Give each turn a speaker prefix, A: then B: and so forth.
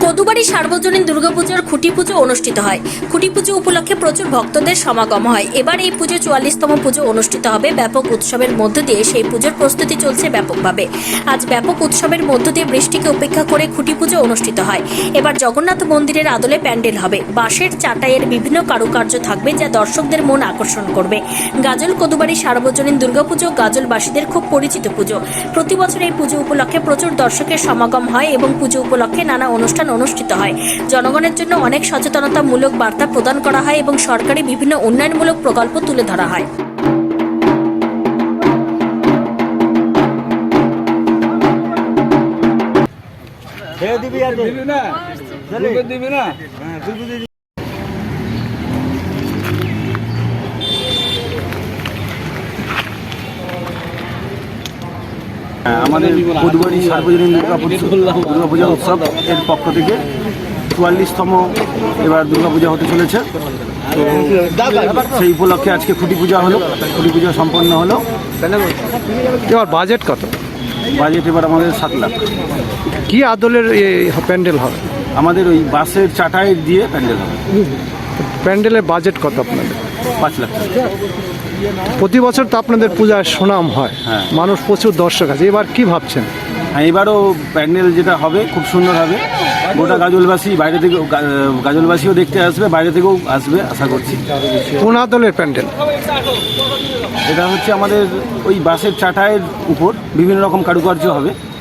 A: কদুবাড়ি সার্বজনীন দুর্গাপুজোর খুঁটি পুজো অনুষ্ঠিত হয়। খুঁটি পুজো উপলক্ষে প্রচুর ভক্তদের সমাগম হয়। এবার এই পুজো 44তম পুজো অনুষ্ঠিত হবে। ব্যাপক উৎসবের মধ্য দিয়ে সেই পুজোর প্রস্তুতি চলছে ব্যাপকভাবে। আজ ব্যাপক উৎসবের মধ্য দিয়ে বৃষ্টিকে উপেক্ষা করে খুঁটি পুজো অনুষ্ঠিত হয়। এবার জগন্নাথ মন্দিরের আদলে প্যান্ডেল হবে। বাঁশের চাটাইয়ের বিভিন্ন কারুকার্য থাকবে, যা দর্শকদের মন আকর্ষণ করবে। গাজল কদুবাড়ি সার্বজনীন দুর্গাপুজো গাজলবাসীদের খুব পরিচিত পুজো। প্রতি বছর এই পুজো উপলক্ষে প্রচুর দর্শকের সমাগম হয় এবং পুজো উপলক্ষে নানা অনুষ্ঠান অনুষ্ঠিত হয়। জনগণের জন্য অনেক সচেতনতামূলক বার্তা প্রদান করা হয় এবং সরকারি বিভিন্ন উন্নয়নমূলক প্রকল্প তুলে ধরা হয়।
B: আমাদের কদুবাড়ি সার্বজনীন দুর্গাপূজা উৎসব এর পক্ষ থেকে 44তম এবার দুর্গাপূজা হতে চলেছে। তো সেই উপলক্ষে আজকে খুঁটি পূজা হলো, খুঁটি পূজা সম্পন্ন হলো।
C: এবার বাজেট কত?
B: বাজেট এবার আমাদের 7 লাখ।
C: কি আদলের প্যান্ডেল হবে?
B: আমাদের ওই বাসের চাটাই দিয়ে প্যান্ডেল হবে।
C: প্যান্ডেলের বাজেট কত আপনাদের?
B: 5 লাখ টাকা।
C: প্রতি বছর তো আপনাদের পূজার সুনাম হয়,
B: হ্যাঁ।
C: মানুষ প্রচুর দর্শক আছে, এবার কি ভাবছেন?
B: হ্যাঁ, এবারও প্যান্ডেল যেটা হবে খুব সুন্দর হবে। গোটা গাজলবাসী বাইরে থেকে গাজলবাসীও দেখতে আসবে, বাইরে থেকেও আসবে আশা করছি।
C: কোন আদলের প্যান্ডেল?
B: এটা হচ্ছে আমাদের ওই বাসের চাটাইয়ের উপর বিভিন্ন রকম কারুকার্য হবে।